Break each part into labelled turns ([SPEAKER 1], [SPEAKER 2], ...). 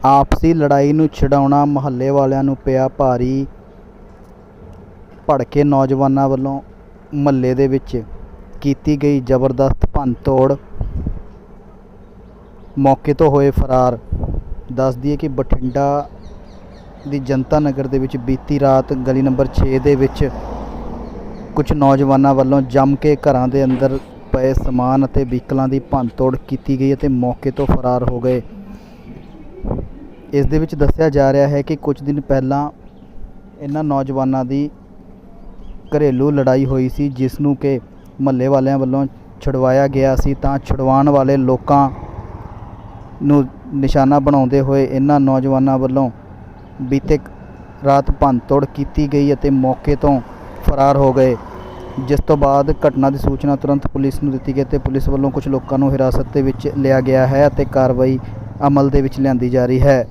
[SPEAKER 1] ਆਪਸੀ ਲੜਾਈ ਨੂੰ ਛਡਾਉਣਾ ਮੁਹੱਲੇ ਵਾਲਿਆਂ ਨੂੰ ਪਿਆ ਭਾਰੀ। ਭੜਕੇ ਨੌਜਵਾਨਾਂ ਵੱਲੋਂ ਮੁਹੱਲੇ ਦੇ ਵਿੱਚ ਕੀਤੀ ਗਈ ਜ਼ਬਰਦਸਤ ਭੰਨ-ਤੋੜ, ਮੌਕੇ ਤੋਂ ਹੋਏ ਫਰਾਰ। ਦੱਸ ਦਈਏ ਕਿ ਬਠਿੰਡਾ ਦੀ ਜਨਤਾ ਨਗਰ ਦੇ ਵਿੱਚ ਬੀਤੀ ਰਾਤ ਗਲੀ ਨੰਬਰ 6 ਦੇ ਵਿੱਚ ਕੁਝ ਨੌਜਵਾਨਾਂ ਵੱਲੋਂ ਜੰਮ ਕੇ ਘਰਾਂ ਦੇ ਅੰਦਰ ਪਏ ਸਮਾਨ ਅਤੇ ਵਹੀਕਲਾਂ ਦੀ ਭੰਨ-ਤੋੜ ਕੀਤੀ ਗਈ ਅਤੇ ਮੌਕੇ ਤੋਂ ਫਰਾਰ ਹੋ ਗਏ। ਇਸ ਦੇ ਵਿੱਚ ਦੱਸਿਆ ਜਾ ਰਿਹਾ ਹੈ ਕਿ ਕੁਝ ਦਿਨ ਪਹਿਲਾਂ ਇਹਨਾਂ ਨੌਜਵਾਨਾਂ ਦੀ ਘਰੇਲੂ ਲੜਾਈ ਹੋਈ ਸੀ, ਜਿਸ ਨੂੰ ਕਿ ਮੁਹੱਲੇ ਵਾਲਿਆਂ ਵੱਲੋਂ ਛੁਡਵਾਇਆ ਗਿਆ ਸੀ। ਤਾਂ ਛੁਡਵਾਉਣ ਵਾਲੇ ਲੋਕਾਂ ਨੂੰ ਨਿਸ਼ਾਨਾ ਬਣਾਉਂਦੇ ਹੋਏ ਇਹਨਾਂ ਨੌਜਵਾਨਾਂ ਵੱਲੋਂ ਬੀਤੇ ਰਾਤ ਭੰਨ-ਤੋੜ ਕੀਤੀ ਗਈ ਅਤੇ ਮੌਕੇ ਤੋਂ ਫਰਾਰ ਹੋ ਗਏ। ਜਿਸ ਤੋਂ ਬਾਅਦ ਘਟਨਾ ਦੀ ਸੂਚਨਾ ਤੁਰੰਤ ਪੁਲਿਸ ਨੂੰ ਦਿੱਤੀ ਗਈ ਅਤੇ ਪੁਲਿਸ ਵੱਲੋਂ ਕੁਝ ਲੋਕਾਂ ਨੂੰ ਹਿਰਾਸਤ ਦੇ ਵਿੱਚ ਲਿਆ ਗਿਆ ਹੈ ਅਤੇ ਕਾਰਵਾਈ ਅਮਲ ਦੇ ਵਿੱਚ ਲਿਆਂਦੀ ਜਾ ਰਹੀ ਹੈ।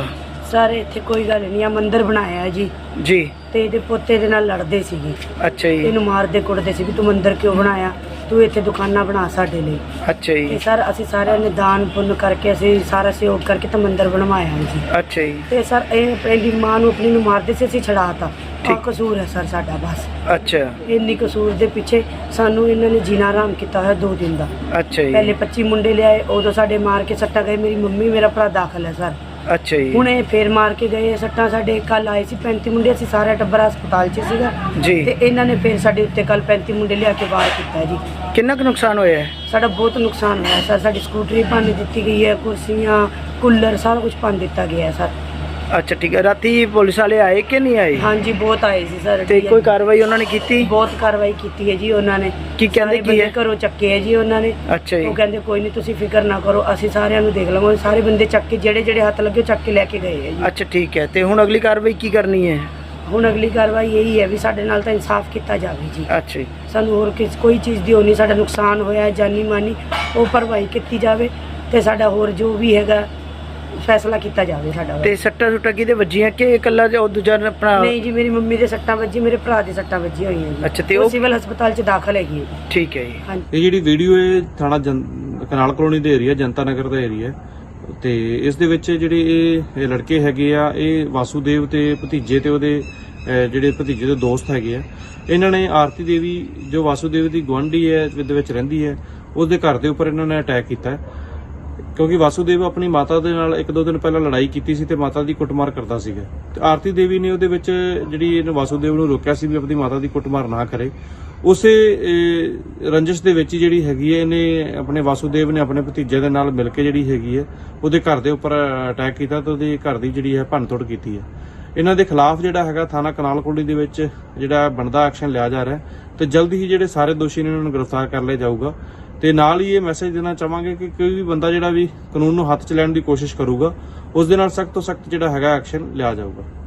[SPEAKER 2] ਸਰ ਇੱਥੇ ਕੋਈ ਗੱਲ ਨਹੀਂ ਆ, ਮੰਦਿਰ ਬਣਾਇਆ ਜੀ ਤੇ ਇਹਦੇ ਪੋਤੇ ਦੇ ਨਾਲ ਲੜਦੇ ਸੀਗੇ।
[SPEAKER 3] ਅੱਛਾ ਜੀ।
[SPEAKER 2] ਇਹਨੂੰ ਮਾਰਦੇ ਕੁੱਟਦੇ ਸੀ ਵੀ ਤੂੰ ਮੰਦਿਰ ਕਿਉਂ ਬਣਾਇਆ, ਤੂੰ ਇੱਥੇ ਦੁਕਾਨਾਂ ਬਣਾ ਸਾਡੇ ਲਈ।
[SPEAKER 3] ਅੱਛਾ ਜੀ।
[SPEAKER 2] ਤੇ ਸਰ ਅਸੀਂ ਸਾਰਿਆਂ ਨੇ ਦਾਨ ਪੁੰਨ ਕਰਕੇ ਅਸੀਂ ਸਾਰਾ ਸਹਿਯੋਗ ਕਰਕੇ ਤਾਂ ਮੰਦਿਰ ਬਣਵਾਇਆ ਜੀ।
[SPEAKER 3] ਅੱਛਾ ਜੀ।
[SPEAKER 2] ਤੇ ਸਰ ਇਹ ਆਪਣੀ ਮਾਂ ਨੂੰ ਆਪਣੀ ਨੂੰ ਮਾਰਦੇ ਸੀ, ਅਸੀਂ ਛੜਾਤਾ। ਠੀਕ ਕਸੂਰ ਹੈ ਸਰ ਸਾਡਾ ਬਸ।
[SPEAKER 3] ਅੱਛਾ।
[SPEAKER 2] ਇੰਨੀ ਕਸੂਰ ਦੇ ਪਿੱਛੇ ਸਾਨੂੰ ਇਹਨਾਂ ਨੇ ਜੀਣਾ ਆਰਾਮ ਕੀਤਾ ਹੋਇਆ 2 ਦਿਨ ਦਾ।
[SPEAKER 3] ਅੱਛਾ ਜੀ।
[SPEAKER 2] ਪਹਿਲੇ 25 ਮੁੰਡੇ ਲਿਆਏ, ਉਦੋਂ ਸਾਡੇ ਮਾਰ ਕੇ ਸੱਟਾਂ ਗਏ। ਮੇਰੀ ਮੰਮੀ ਮੇਰਾ ਭਰਾ ਦਾਖਲ ਹੈ ਸਰ।
[SPEAKER 3] ਅੱਛਾ ਜੀ।
[SPEAKER 2] ਹੁਣ ਇਹ ਫੇਰ ਮਾਰ ਕੇ ਗਏ ਸੱਟਾਂ। ਸਾਡੇ ਕੱਲ ਆਏ ਸੀ 35 ਮੁੰਡੇ, ਅਸੀਂ ਸਾਰਾ ਟੱਬਰ ਹਸਪਤਾਲ 'ਚ ਸੀਗਾ
[SPEAKER 3] ਜੀ।
[SPEAKER 2] ਤੇ ਇਹਨਾਂ ਨੇ ਫੇਰ ਸਾਡੇ ਉੱਤੇ ਕੱਲ 35 ਮੁੰਡੇ ਲਿਆ ਕੇ ਵਾਰ ਕੀਤਾ ਜੀ।
[SPEAKER 3] ਕਿੰਨਾ ਕੁ ਨੁਕਸਾਨ ਹੋਇਆ ਹੈ?
[SPEAKER 2] ਸਾਡਾ ਬਹੁਤ ਨੁਕਸਾਨ ਹੋਇਆ ਸਰ। ਸਾਡੀ ਸਕੂਟਰੀ ਭੰਨ ਦਿੱਤੀ ਗਈ ਹੈ, ਕੁਰਸੀਆਂ, ਕੂਲਰ, ਸਾਰਾ ਕੁਝ ਭੰਨ ਦਿੱਤਾ ਗਿਆ ਹੈ ਸਰ।
[SPEAKER 3] ਅੱਛਾ ਠੀਕ ਹੈ। ਰਾਤੀ ਪੁਲਿਸ ਵਾਲੇ ਆਏ ਕਿ ਨਹੀਂ ਆਏ?
[SPEAKER 2] ਹਾਂਜੀ ਬਹੁਤ ਆਏ ਸੀ ਸਰ।
[SPEAKER 3] ਤੇ ਕੋਈ ਕਾਰਵਾਈ ਉਹਨਾਂ ਨੇ ਕੀਤੀ?
[SPEAKER 2] ਬਹੁਤ ਕਾਰਵਾਈ ਕੀਤੀ ਹੈ ਜੀ ਉਹਨਾਂ ਨੇ।
[SPEAKER 3] ਕੀ ਕਹਿੰਦੇ ਕੀ ਹੈ?
[SPEAKER 2] ਘਰੋਂ ਚੱਕੇ ਹੈ ਜੀ ਉਹਨਾਂ ਨੇ।
[SPEAKER 3] ਅੱਛਾ ਜੀ।
[SPEAKER 2] ਉਹ ਕਹਿੰਦੇ ਕੋਈ ਨਹੀਂ ਤੁਸੀਂ ਫਿਕਰ ਨਾ ਕਰੋ, ਅਸੀਂ ਸਾਰਿਆਂ ਨੂੰ ਦੇਖ ਲਵਾਂਗੇ। ਸਾਰੇ ਬੰਦੇ ਚੱਕ ਕੇ ਜਿਹੜੇ ਹੱਥ ਲੱਗੇ ਚੱਕ ਕੇ ਲੈ ਕੇ ਗਏ ਹੈ ਜੀ।
[SPEAKER 3] ਅੱਛਾ ਠੀਕ ਹੈ। ਤੇ ਹੁਣ ਅਗਲੀ ਕਾਰਵਾਈ ਕੀ ਕਰਨੀ ਹੈ?
[SPEAKER 2] ਹੁਣ ਅਗਲੀ ਕਾਰਵਾਈ ਇਹੀ ਹੈ ਵੀ ਸਾਡੇ ਨਾਲ ਤਾਂ ਇਨਸਾਫ ਕੀਤਾ ਜਾਵੇ ਜੀ।
[SPEAKER 3] ਅੱਛਾ ਜੀ।
[SPEAKER 2] ਸਾਨੂੰ ਹੋਰ ਕੋਈ ਚੀਜ਼ ਦੀ ਹੋਣੀ, ਸਾਡਾ ਨੁਕਸਾਨ ਹੋਇਆ ਜਾਨੀ ਮਾਨੀ ਉਹ ਭਰਵਾਈ ਕੀਤੀ ਜਾਵੇ ਤੇ ਸਾਡਾ ਹੋਰ ਜੋ ਵੀ ਹੈਗਾ ਫੈਸਲਾ ਕੀਤਾ ਜਾਵੇ ਸਾਡਾ।
[SPEAKER 3] ਤੇ ਸੱਟਾਂ ਸੁੱਟਾਂ ਕਿਹਦੇ ਵੱਜੀਆਂ ਕਿ ਇਕੱਲਾ ਉਹ ਦੂਜਾ ਆਪਣਾ?
[SPEAKER 2] ਨਹੀਂ ਜੀ, ਮੇਰੀ ਮੰਮੀ ਦੇ ਸੱਟਾਂ ਵੱਜੀ, ਮੇਰੇ ਭਰਾ ਦੇ ਸੱਟਾਂ ਵੱਜੀਆਂ ਹੋਈਆਂ ਜੀ।
[SPEAKER 3] ਅੱਛਾ। ਤੇ ਉਹ
[SPEAKER 2] ਸਿਵਲ ਹਸਪਤਾਲ 'ਚ ਦਾਖਲ ਹੈਗੀ ਹੈ।
[SPEAKER 3] ਠੀਕ ਹੈ ਜੀ।
[SPEAKER 2] ਹਾਂਜੀ।
[SPEAKER 4] ਇਹ ਜਿਹੜੀ ਵੀਡੀਓ ਹੈ ਥਾਣਾ ਕਨਾਲ ਕਲੋਨੀ ਦੇ ਏਰੀਆ, ਜਨਤਾ ਨਗਰ ਦਾ ਏਰੀਆ ਤੇ ਇਸ ਦੇ ਵਿੱਚ ਜਿਹੜੇ ਇਹ ਲੜਕੇ ਹੈਗੇ ਆ, ਇਹ ਵਾਸੂਦੇਵ ਤੇ ਭਤੀਜੇ ਤੇ ਉਹਦੇ ਜਿਹੜੇ ਭਤੀਜੇ ਦੇ ਦੋਸਤ ਹੈਗੇ ਆ। ਇਹਨਾਂ ਨੇ ਆਰਤੀ ਦੇਵੀ ਜੋ ਵਾਸੂਦੇਵ ਦੀ ਗੁਆਂਢੀ ਹੈ ਦੇ ਵਿੱਚ ਰਹਿੰਦੀ ਹੈ, ਉਹਦੇ ਘਰ ਦੇ ਉੱਪਰ ਇਹਨਾਂ ਨੇ ਅਟੈਕ ਕੀਤਾ ਕਿਉਂਕਿ ਵਾਸੂਦੇਵ ਆਪਣੀ ਮਾਤਾ ਦੇ ਨਾਲ 1-2 ਦਿਨ ਪਹਿਲਾਂ ਲੜਾਈ ਕੀਤੀ ਸੀ ਤੇ ਮਾਤਾ ਦੀ ਕੁੱਟਮਾਰ ਕਰਦਾ ਸੀਗਾ। ਤੇ ਆਰਤੀ ਦੇਵੀ ਨੇ ਉਹਦੇ ਵਿੱਚ ਜਿਹੜੀ ਇਹਨੇ ਵਾਸੂਦੇਵ ਨੂੰ ਰੋਕਿਆ ਸੀ ਵੀ ਆਪਣੀ ਮਾਤਾ ਦੀ ਕੁੱਟਮਾਰ ਨਾ ਕਰੇ। ਉਸੇ ਰੰਜਿਸ਼ ਦੇ ਵਿੱਚ ਜਿਹੜੀ ਹੈਗੀ ਹੈ, ਇਹਨੇ ਆਪਣੇ ਵਾਸੂਦੇਵ ਨੇ ਆਪਣੇ ਭਤੀਜੇ ਦੇ ਨਾਲ ਮਿਲ ਕੇ ਜਿਹੜੀ ਹੈਗੀ ਹੈ ਉਹਦੇ ਘਰ ਦੇ ਉੱਪਰ ਅਟੈਕ ਕੀਤਾ ਤੇ ਉਹਦੇ ਘਰ ਦੀ ਜਿਹੜੀ ਹੈ ਭੰਨਤੋੜ ਕੀਤੀ ਹੈ। ਇਹਨਾਂ ਦੇ ਖਿਲਾਫ ਜਿਹੜਾ ਹੈਗਾ ਥਾਣਾ ਕਨਾਲ ਕਲੋਨੀ ਦੇ ਵਿੱਚ ਜਿਹੜਾ ਬਣਦਾ ਐਕਸ਼ਨ ਲਿਆ ਜਾ ਰਿਹਾ ਤੇ ਜਲਦੀ ਹੀ ਜਿਹੜੇ ਸਾਰੇ ਦੋਸ਼ੀ ਨੇ ਉਹਨਾਂ ਨੂੰ ਗ੍ਰਿਫਤਾਰ ਕਰ ਲਿਆ ਜਾਊਗਾ। ਤੇ ਨਾਲ ਹੀ ਇਹ ਮੈਸੇਜ ਦੇਣਾ ਚਾਹਾਂਗੇ ਕਿ ਕੋਈ ਵੀ ਬੰਦਾ ਜਿਹੜਾ ਵੀ ਕਾਨੂੰਨ ਨੂੰ ਹੱਥ 'ਚ ਲੈਣ ਦੀ ਕੋਸ਼ਿਸ਼ ਕਰੂਗਾ, ਉਸ ਦੇ ਨਾਲ ਸਖਤ ਤੋਂ ਸਖਤ ਜਿਹੜਾ ਹੈਗਾ ਐਕਸ਼ਨ ਲਿਆ ਜਾਊਗਾ।